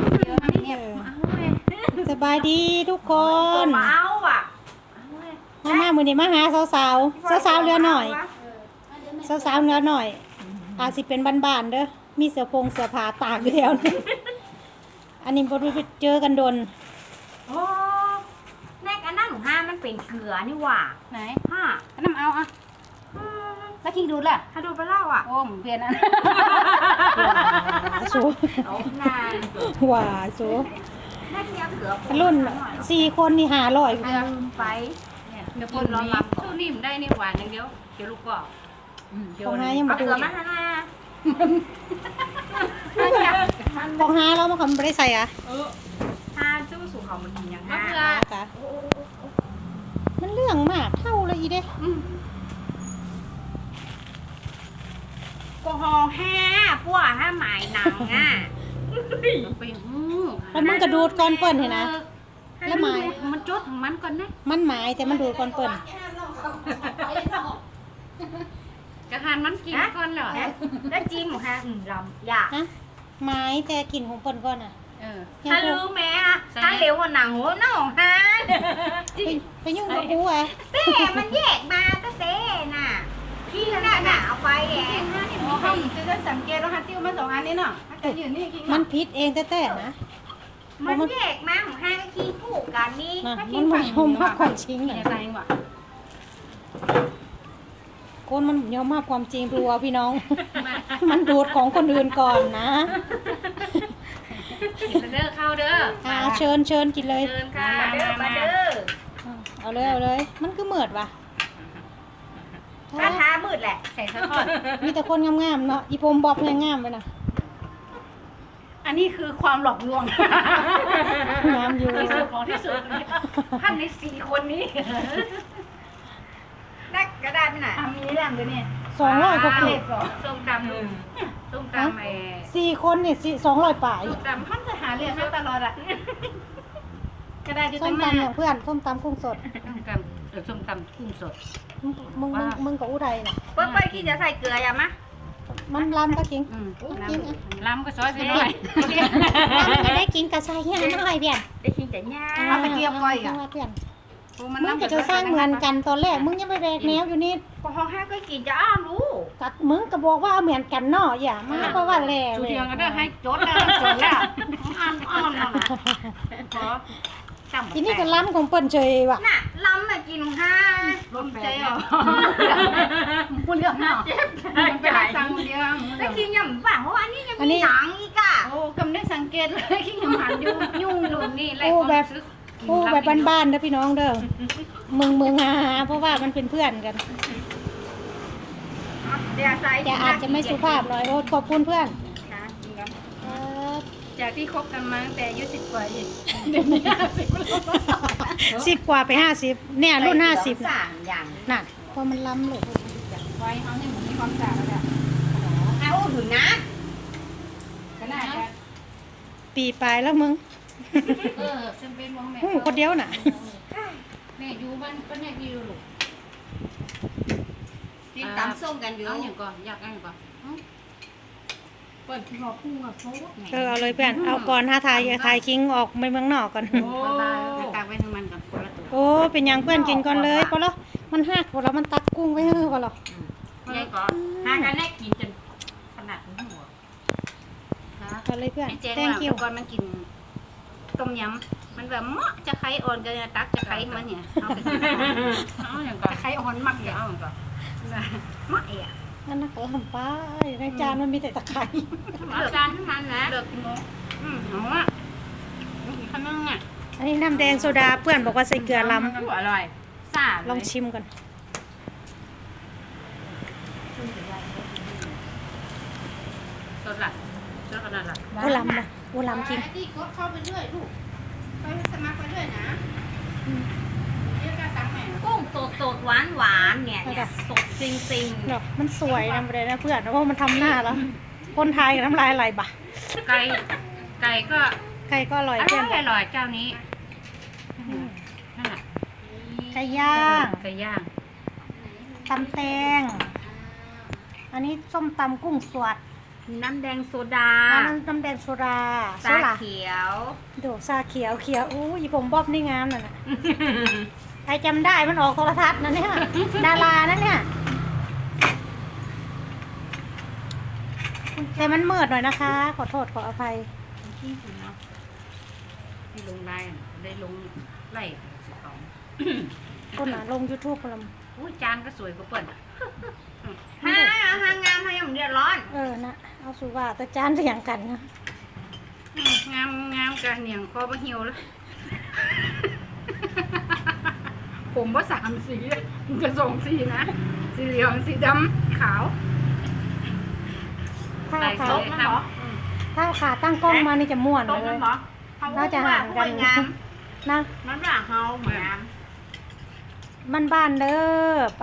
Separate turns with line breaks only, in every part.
เยอะเนี่ยเอาเลย
สบายดีทุกคน
เอาอ่ะ
มามื้อนี้มาหาสาวๆสาวๆเรือหน่อยสาวๆเรือหน่อยอาจสิเป็นบ้านๆเด้อมีเสื้อผ้าตากอยู่แล้วนี่อันนี้บ่รู้ไปเจอกันดน
โอ้แม่กันนั่นห้ามันเป็นเกลือนี่หว่า
ไหน
ห้า
น้ำเอาอ่ะแล้วคิงดูดล่ะ
ถ้าดูไปเล่าอ่ะ
โอ้มเปลี่ยนอัน
สู
เอานาน
ว่าสู
แม่เทียบเกลือ
รุ่น4คนนี่500
ลืมไป
เนี่ยเดี๋ยวคนนี้สู้นิ่มได้นี่หวานอย่างเดียวเดี๋ยวลูกก็เดี๋ยว
ของหายัง
เอา
บ่
เก
ดู
ลือมาให้
ของหาเราบ่คำบ่ได้ใส่อ่ะ
ห้าจู้สู่เขามันกินยัง
มะ
ห้า
เขือ
กะมันเรื่องมากเท่าเลยอีเด้
ก็ห่อห้าพวกห้าหมายหนังอ่ะ
ไป
แล้วมึงกระดูดก่อนเปิ้นเห็นนะแล้วหมาย
มันจุดของมันก่อนนะ
มันหมายแต่มันดูดก่อนเปิ้น
กระหานมันกินก่อนเหรอ
แล้วจิ้มหมูฮะลำอยาก
ฮะหมายแต่กลิ่นของเปิ้นก่อนอ่ะ
เออ
ยัง
ถ้า
กู
รู้ไหมอ่ะถ้าเหลวกว่าหนังหัวหน้าของฮะ
ไปยุ่งกับกูอ่ะ
เต้มันแยกมาก็เต้น่ะพี่น่ะเอาไปแหละ
โอ้ห้องจะสังเกตว่าฮัตติ้วมา2 อันนี้เนาะจะยืนนี่คิง
มันพิษเองแต่ๆนะ
มันแยกมาของห้าก็ขี้ผูกกันนี่
นะมันไม่ยอมรับความจริง
เนี่
น่ะ
ยใจว่ะ
คนมันยอมรับความจริงดูเอาพี่น้อง มันดูดของคนอื่นก่อนนะ
กินเด้อเข้าเด้อ
เชิญกินเลย
เดินค่ะ
มาเด้อมาเด้อ
เอาเลย มันก็เหมือดว่ะ
ถ้าท้ามืดแหละ
ใส่ซะก่อน
มีแต่คนงามๆเนาะอีผมบ๊อบงามๆไปนะ
อันนี้คือความหลอกลวง
งามอยู่
ที่สุดของที่สุดท่านใน4 คนนี้
ได้ก็ได้ไม่ไหน
มีแรงด้วยเนี่ย
200กว่า
เล็
เก็
กเหรอส้มตำส้มตำ
4คนนี่200ป่าย
ส้มตำมันจะหาเรื่องให้ตลอดอ่ะก็ได้อยู่
ส้
ตั้
ม
ง
ตำอย่างเพื่อนส้มตำกุ้งสด
ส้มตำกุ้งสด
มึงกับอุทัยน่ะ
เปิ้ลขี้จะใส่เกลืออย่ามา
มันล้ำก็จริง
ล้ำก็ซอยไปหน่อย
ล้ำก็ได้กินกระชายย่างน้อยเพี้ยน
ได้ขี้แต่ย่า
เอาไปเกี่ยวก้อยอ่ะ
เพื่อนมึงก็จะสร้างเหมือนกันตอนแรกมึงยังไปแบกแนวอยู่นี่
พอห้องห้าก็กินจะอ้อมรู้
กัดมึงก็บอกว่าเหมือนกันเนาะอย่ามาเพราะว่าแหล่
ชู
เลย
เทียงก็ได้ให้จดแล้วจดแล้วอ้อมแล้วนะขอจำ
ทีนี้ก็ล้ำของเปิ้นเฉยว่ะ
น่ะล้ำน่ะกินห้า
ลมใจอ่ะพูดเรื่องเนาะมันเป็นสั่งเดียว
ได้กินยำป่ะเพราะว่านี่ยังมีหนังอีกอ่ะ
โอ้กำลังสังเกตเลยขี้หมันยุ่งลุนนี่ไร
โอ้แบบบ้านๆเด้อพี่น้องเด้อมึงหาเพราะว่ามันเป็นเพื่อนกัน
เดี๋ยวใส่
แต่อาจจะไม่สุภาพหน่อยโอ้ขอบคุณเพื่อน
จากที่คบกันมาตั้งแต่อายุ10 กว่าอีกเดี๋ยวนี้
10 กว่าไป50เนี่ยรุ่น50
สามอย่าง
น่ะพอมันล้ำเลย
ไว้เขาเนี่ยเหมือนมีความสะอาดแล้ว
เอาถึงนะ
ขนาด
ปีปลายแล้วมึง
ฉันเป็นวงแม่
คนเดียวน่ะ
แม่อยู่บ้านก็แม่ที่อยู่ลูก
กินตำส้มกันอยู่
เอาอย่างก่อนอยากเอาอย่างก่อนเปิดหัวพุ่งอ่ะโซ่
เอาเลยเพื่อนเอาก่อนถ้าถ่ายคิงออกไปเมืองนอกก่อน
โอ้ตากไว้ทั้งมันก่อนคนละตัว
โอ้เป็นอย่างเพื่อนกินก่อนเลยพอแล้วมันหักพอแล้วมันตักกุ้งไว้เฮ้อพอแล้ว
ยายก็หากันแน่กินจนขนาดหัว
เอาเลยเพื่อน
เจ๊
thank
ว่า
you
ก่อนมันกินต้มยำมันแบบเหมาะจะไข่อ่อนกันตักจะไข่มันเนี่ยเอาไปเอาอย่างก่อนไข่อ่อนมักอย่างเอาอย่างก่อนเหมาะอ่ะ
นั่นนักลำป้าในจานมันมีแต่ตะไคร้
เอาจานให้มันนะเลือกกินโมเอาอ่ะขนมอ่ะ
อันนี้น้ำแดงโซดาเพื่อนบอกว่าใส่เกลือล้
อร่อยซ่า
ำลองชิมก่อน
สดละสดขนาดละ
โอ้ล้ำนะโอ้ล้ำจริง
ที่กดเข้าไปเรื่อยลูกไปสมัครไปเรื่อยนะเรียกการตังค์แม่
กุ้งสดหวานเนี่ยสดจริง
เนาะมันสวยนะเลยนะเพื่อนเพราะมันทำหน้าแล้ว คนไทยกับน้ำลายไหลบ่ะ
ไก่ก็
ไก่ก็อร่อย
อ
เพื่อน
ร่อยเจ้านี้นั่นแหละ
ไก่ย่าง
ไก่ย่าง
ตำแตงอันนี้ส้มตำกุ้งสด
น้ำแดงโซดา
น้ำแดงโซดา
ชา
โซดา
เขียว
โดชาเขียวเขียวอู้ยผมบ๊อบนี่งามน่ะนะใครจำได้มันออกโทรทัศน์นะเนี่ยดารานั่นเนี่ยแต่มันมืดหน่อยนะคะ ขอโทษขออภัย
ที่สุดเนาะที่ลงไล่ได้ลงไล่สิของ
คนน่ะลง YouTube พลัม
อุ้ยจานก็สวยกว่าเปิ่น
หางามให้มันเดือดร้อน
นะเอาสุว่าแต่จานเสียงกันนะ
งามงามกระเหนียงคอมาเหี่ยวแล้ว ผมว่า3 สีมันจะ2 สีนะสีเหลืองสีดำขาว
ถ้า
ใส่
ขา
โต๊ะนะเหรอ
ถ้าขาตั้งกล้องมานี่จะม่วน
โต๊ะ
เล
นั่
ย
นเหรอ
น่าจะห่างกัน
งาม
นะ
มันว่าเฮาเหมือน
มันบ้านเด้อไป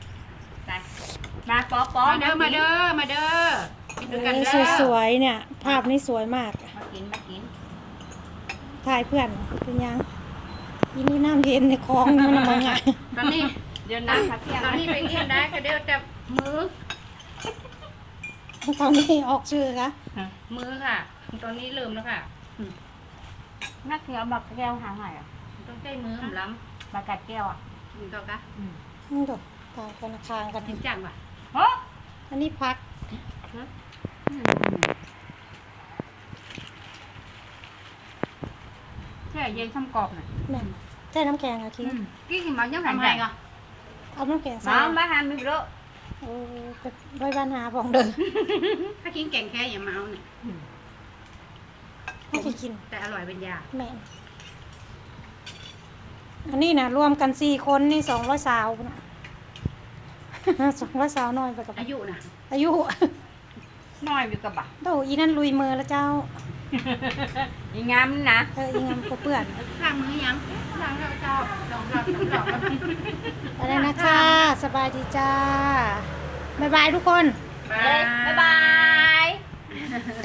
มาป๊อ
มาเด้อมาเด้อมาเด้อกินด้วยกันเด้อ
สวยๆเนี่ย ภาพนี้สวยมาก
มากินมากิน
ถ่ายเพื่อนเป็นยังอีนี่น้ำเย็นในคลองมันมาไง
ตอนนี้
เดี๋ยวน้ำครับเที่ยง
ตอนนี้ไปเรียนได้ก็เดี๋ยวจะมือ
ตอนนี้ออกชื่อคะ
มือค่ะ ตอนนี้เริ่มแล้วค่ะ
นักเที่ยวบักแก้วหางไหนอ่ะ
ต้องใช้มือผมล้
บักกัดแก้วอ่ะ
ำนี่ก็กะ
นี่ดูต่างกันคางกัน
จริงจังว่ะ
เฮ้ย
อันนี้พัก
แค่เย็นช่ำกรอบน่ะ
แม่นใช่น้ำแกงอะคิง
กี่หิมะยังทำไงอ่ะ
เอาน้ำแกงใส่
มาหามิโร
โอ้ก็ไว้บ้านหาบองเด้อ
ถ้ากินแกงแค่อย่ามาเอาเนี่ย
ให้กิน
แต่อร่อยเป็นยา
แม่นอันนี้นะรวมกัน4 คนนี่200 สาวนะ 200 สาวน้อยไปกับ
อายุน่ะ
อายุ
น้อยอยู่กับบัก
โตอีนั่นลุยมือแล้วเจ้า
อีงามนะ
อีงามก็เปื่อน
ล้างมือยังล้างแล้วเจ้าลองลอง
อะไรนะคะ สบายดีจ้า บ๊ายบายทุกคน
บาย
บ๊ายบาย